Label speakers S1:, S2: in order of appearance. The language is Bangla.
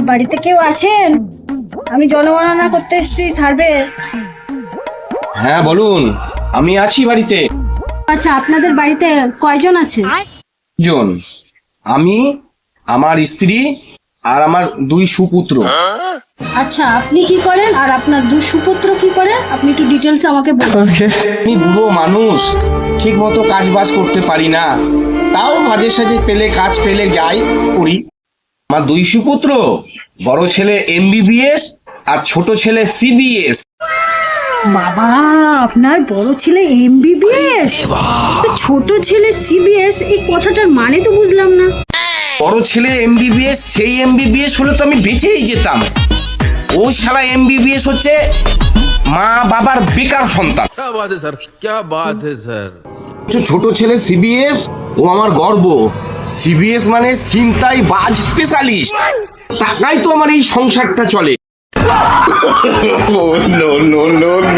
S1: বাড়িতে কেউ আছেন? আমি জনগণনা করতে এসেছি, সার্ভে।
S2: হ্যাঁ বলুন, আমি আছি বাড়িতে।
S1: আচ্ছা, আপনাদের বাড়িতে কয়জন আছে?
S2: জন, আমি, আমার স্ত্রী আর আমার 2 সুপুত্র।
S1: আচ্ছা, আপনি কি করেন আর আপনার 2 সুপুত্র কি করেন? আপনি একটু ডিটেলস আমাকে বলুন।
S2: আমি বুড়ো মানুষ, ঠিক মতো কাজ বাজ করতে পারি না, তাও মাঝে সাঝে পেলে কাজ পেলে যাই করি। আমার 2 সুপুত্র, বড় ছেলে MBBS আর ছোট ছেলে CBS।
S1: বাবা, আপনার বড় ছেলে MBBS, ছোট ছেলে CBS, এই কথাটার মানে তো বুঝলাম না।
S2: বড় ছেলে MBBS, সেই MBBS হলে তো আমি বেঁচেই যেতাম। ও শালা MBBS হচ্ছে মা বাবার বেকার সন্তান।
S3: क्या बात है सर, क्या बात है सर।
S2: ছোট ছেলে CBS, ও আমার গর্ব। CBS মানে ছিনতাই বাজ স্পেশালিস্ট। টাকাই তো আমার এই সংসারটা চলে।
S4: No, no, no, no.